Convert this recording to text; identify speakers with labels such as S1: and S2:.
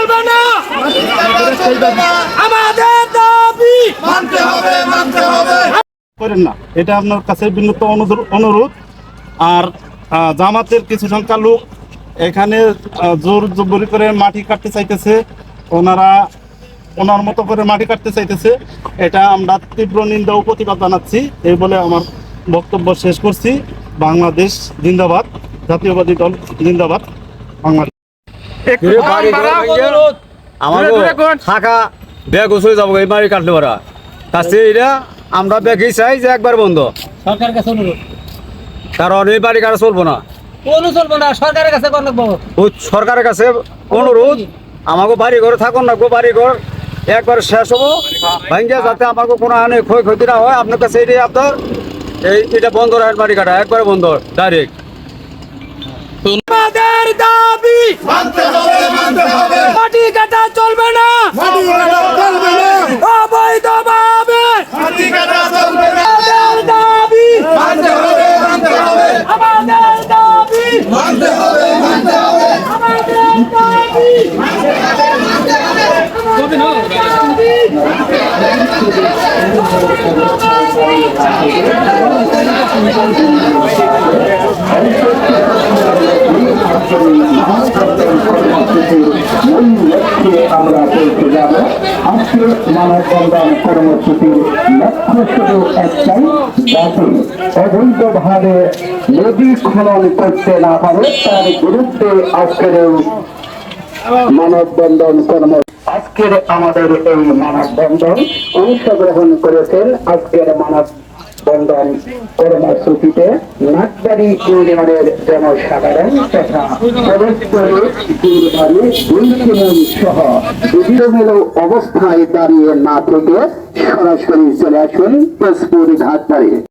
S1: চলবে না, আমাদের দাবি মানতে হবে।
S2: করেন না, এটা আপনার কাছে বিনীত অনুরোধ। আর জামাতের কিছু সংখ্যা লোক এখানে জোর জবরি করে মাটি কাটতে চাইতেছে, ওনার মতো করে মাটি কাটতে চাইতেছে। এটা আমরা তীব্র নিন্দা ও প্রতিবাদ জানাচ্ছি। এই বলে আমার বক্তব্য শেষ করছি। বাংলাদেশ জিন্দাবাদ, জাতীয়বাদী দল জিন্দাবাদ। বাংলাদেশ
S3: থাকা ব্যাগ চলে যাবো এই বাড়ি কাটলে পারা কাছে এটা আমরা ব্যাগই চাই যে একবার বন্ধ।
S4: সরকারের কাছে অনুরোধ,
S3: কারণ এই বাড়ি কাটা চলবো না,
S4: চলবো না। সরকারের কাছে
S3: সরকারের কাছে অনুরোধ, আমাকে বাড়ি ঘরে থাকুন না, বাড়ি ঘর একবার শেষ হবো ভাঙ্গিয়া, যাতে আমাকে কোনো হানি ক্ষয়ক্ষতি না হয়। আপনার কাছে এটাই আপনার এটা বন্ধ রাখেন, বাড়ি কাটা একবারে বন্ধ ডাইরেক্ট।
S1: আমাদের দাবি মানতে হবে, মাটি কাটা চলবে না, অবৈধভাবে মাটি কাটা চলবে না। আমাদের দাবি মানতে হবে, আমাদের দাবি মানতে হবে, আমাদের দাবি
S5: আমরা বলতে যাব আজকে মানববন্ধন কর্মসূচির লক্ষ্য শুধু একটাই, যাতে অবৈধভাবে নদী খনন করতে না পারে তার বিরুদ্ধে আজকের মানববন্ধন আজকের আমাদের এই মানববন্ধন অংশগ্রহণ করেছেন। আজকের মানববন্ধন কর্মসূচিতে নাকবাড়ি ইউনিয়নের জনসাধারণ তথা সহ বিভিন্ন অবস্থায় দাঁড়িয়ে না থেকে সরাসরি চলে আসুন তেজপুর ঘাট